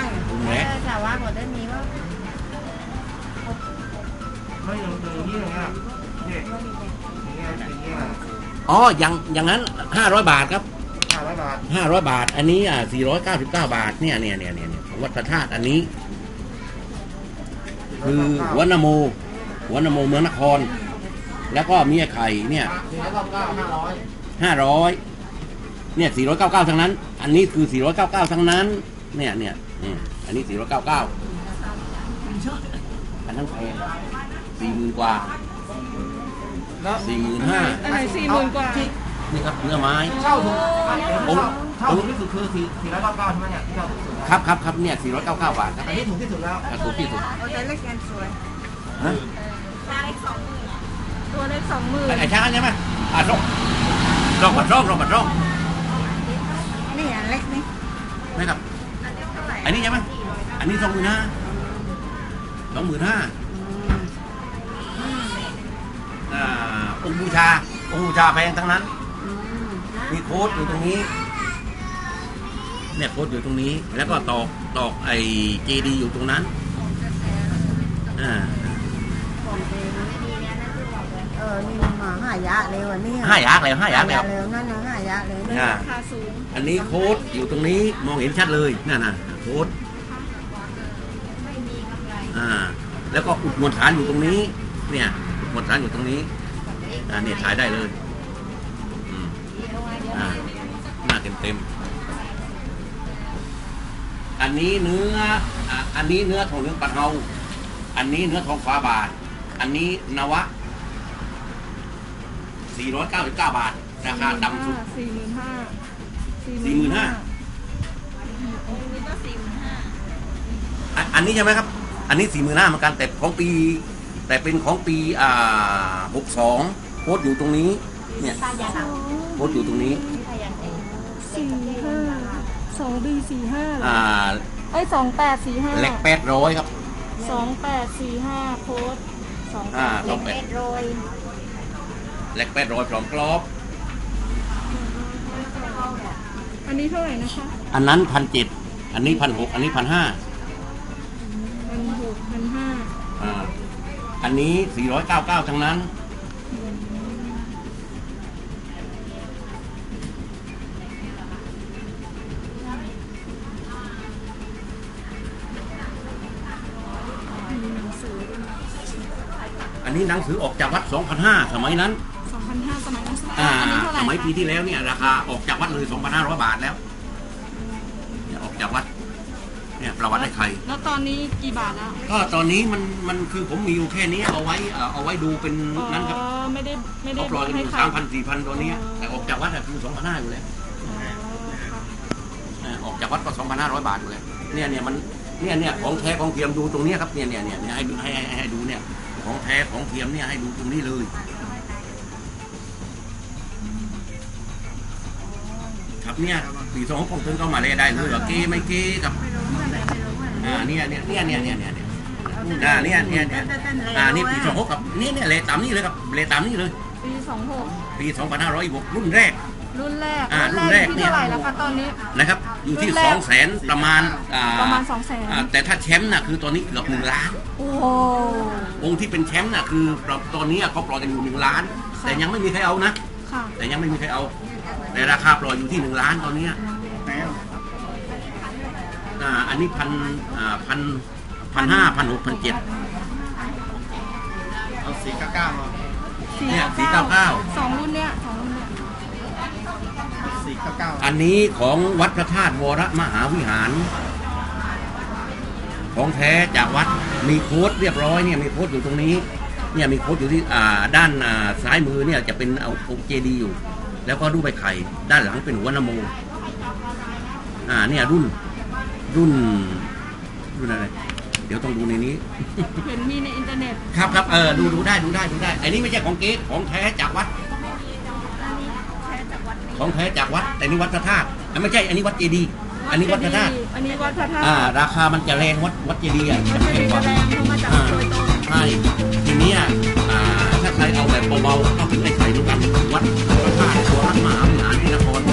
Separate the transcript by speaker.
Speaker 1: ลุงแหละ
Speaker 2: แต่ว่าก่อนได้มีว่า
Speaker 3: ไม่อย่างนี้อย่างเงี้ยเนี่ยอย่างเงี้ย
Speaker 1: อ๋ออย่างนั้น500 บาทครับ
Speaker 3: 500 บาท
Speaker 1: 500 บาทอันนี้499 บาทเนี่ยวัดพระธาตุอันนี้คือหัวนโมเมืองนคร แล้วก็มีไอ้ไข่เนี่ย
Speaker 3: 499
Speaker 1: 500เนี่ย499ทั้งนั้น อันนี้คือ499ทั้งนั้นเนี่ยอันนี้499อันนั้นแพง40,000 กว่า
Speaker 3: 500แล้ว
Speaker 1: 45,000
Speaker 2: อะไร40,000 กว่า
Speaker 1: นี่ครับเนื้อไม้
Speaker 3: เช่าถูกเช่าถูกที่สุดคือ499ใช่ไหมเนี่ยที่เช่าถูกสุด
Speaker 1: ครับเนี่ย499 บาทครับ
Speaker 3: อันนี้ถูกที่สุดแล้ว
Speaker 1: ถูกที่สุด
Speaker 2: เอาแต่เล็กกันสวย
Speaker 1: ฮะ
Speaker 2: ตัวเล็ก 20,000ตัวเล็ก 20,000
Speaker 1: ไอ้ช้างใช่ไหมร่องปัดร่อง
Speaker 2: นี่อันเล็กนี่
Speaker 1: ไม่ครับ
Speaker 2: อันเล็กเท่าไหร่
Speaker 1: อันนี้ใช่ไหมอันนี้25,000องค์บูชาแพงทั้งนั้นมีโค้ดอยู่ตรงนี้เนี่ยโค้ดอยู่ตรงนี้แล้วก็ตอกไอ้เจดีอยู่ตรงนั้น
Speaker 2: นี่มา5 ยะเลยวันนี้
Speaker 1: 5 ยักษ์แล้ว
Speaker 2: นั่นนะ5 ยะเลยนี่ราคาสูง
Speaker 1: อันนี้โค้ดอยู่ตรงนี้มองเห็นชัดเลยนั่นน่ะโค้ดแล้วก็อุดมวลฐานอยู่ตรงนี้เนี่ยอุดมวลฐานอยู่ตรงนี้เนี่ยถ่ายได้เลยหน้าเต็มอันนี้เนื้อทองเหลืองปัดเฮาอันนี้เนื้อทองฟ้าบาทอันนี้นวะ499 บาทราคาต่ำสุด 45,000อันนี้ใช่ไหมครับอันนี้45,000เหมือนกันแต่เป็นของปี62โค้ดอยู่ตรงนี้เนี่ยโค้ดอยู่ตรงนี้
Speaker 2: 2B45 2845
Speaker 1: เล็ก800ครับ
Speaker 2: 2845โค้ดเล็ก800
Speaker 1: เล็ก800พร้อมกรอบ
Speaker 2: อันนี้เท่าไหร่นะคะ
Speaker 1: อันนั้น1,700อันนี้1,600อันนี้1,500
Speaker 2: 1,600 1,500
Speaker 1: อันนี้499ทั้งนั้นอันนี้หนังสือออกจากวัด 2,500 สมัยนั้น
Speaker 2: 2,500 สมัยนั้น
Speaker 1: สมัยปีที่แล้วเนี่ยราคาออกจากวัดเลย 2,500 บาทแล้วเนี่ยออกจากวัดเนี่ยประวัติไอ้ไข่
Speaker 2: แล้วตอนนี้กี่บาทแล้ว
Speaker 1: ก็ตอนนี้มันคือผมมีอยู่แค่นี้เอาไว้ดูเป็นนั้นครับ
Speaker 2: ไม่ได้
Speaker 1: เขาปล่อยกันอยู่ 3,000-4,000 ตัวนี้แต่ออกจากวัดคือ 2,500 อยู่แล้วออกจากวัดก็ 2,500 บาทอยู่แล้วเนี่ยมันเนี่ยของแท้ของเทียมดูตรงนี้ครับเนี่ยให้ดูเนี่ยของแท้ของเทียมเนี่ยให้ดูตรงนี้เลยครับเนี่ยปี2ของต้นก็มาเลยได้เลยเหรอเก้ไม่เก้ครับเนี่ยนี่ปี26กับเนี่ยเลต่ำนี่เลยครับเลต่ำนี่เลยปี2506รุ่นแรก
Speaker 2: ที่เท่าไหร่แล้วคะตอนนี้
Speaker 1: นะครับอยู่ที่ 200,000 ประมาณ
Speaker 2: 200,000
Speaker 1: แต่ถ้าแชมป์น่ะคือตอนนี้เกือบ1 ล้าน
Speaker 2: โอ้
Speaker 1: องค์ที่เป็นแชมป์น่ะคือตอนนี้เขาปล่อยกันอยู่1 ล้านแต่ยังไม่มีใครเอานะแต่ยังไม่มีใครเอาแต่ราคาปล่อยอยู่ที่1 ล้านตอนนี้อันนี้1,500 1,600 1,700
Speaker 3: เอา499มา
Speaker 1: เนี่ย499
Speaker 2: 2 รุ่นเนี่ย
Speaker 1: อันนี้ของวัดพระธาตุวรมหาวิหารของแท้จากวัดมีโค้ดเรียบร้อยเนี่ยมีโค้ดอยู่ตรงนี้เนี่ยมีโค้ดอยู่ที่ด้านซ้ายมือเนี่ยจะเป็นองค์เจดีย์อยู่แล้วก็รูปใบไข่ด้านหลังเป็นหัวนโมเนี่ยรุ่นอะไรเดี๋ยวต้องดูในนี้
Speaker 2: เห็นมีในอินเทอร์เน็ต
Speaker 1: ครับดูได้อันนี้ไม่ใช่ของเก๊ของแท้จากวัดของแท้จากวัดแต่นี่วัดพระธาตุไม่ใช่อันนี้วัดเจดีย์อันนี้วัดพระธาตุราคามันจะแรงวัดเจดีย์จะแพงกว่าใช่ทีนี้ถ้าใครเอาแบบเบาๆก็ถึงไอ้ไข่เหมือนกันวัดพระธาตุวรมหาวิหารที่นคร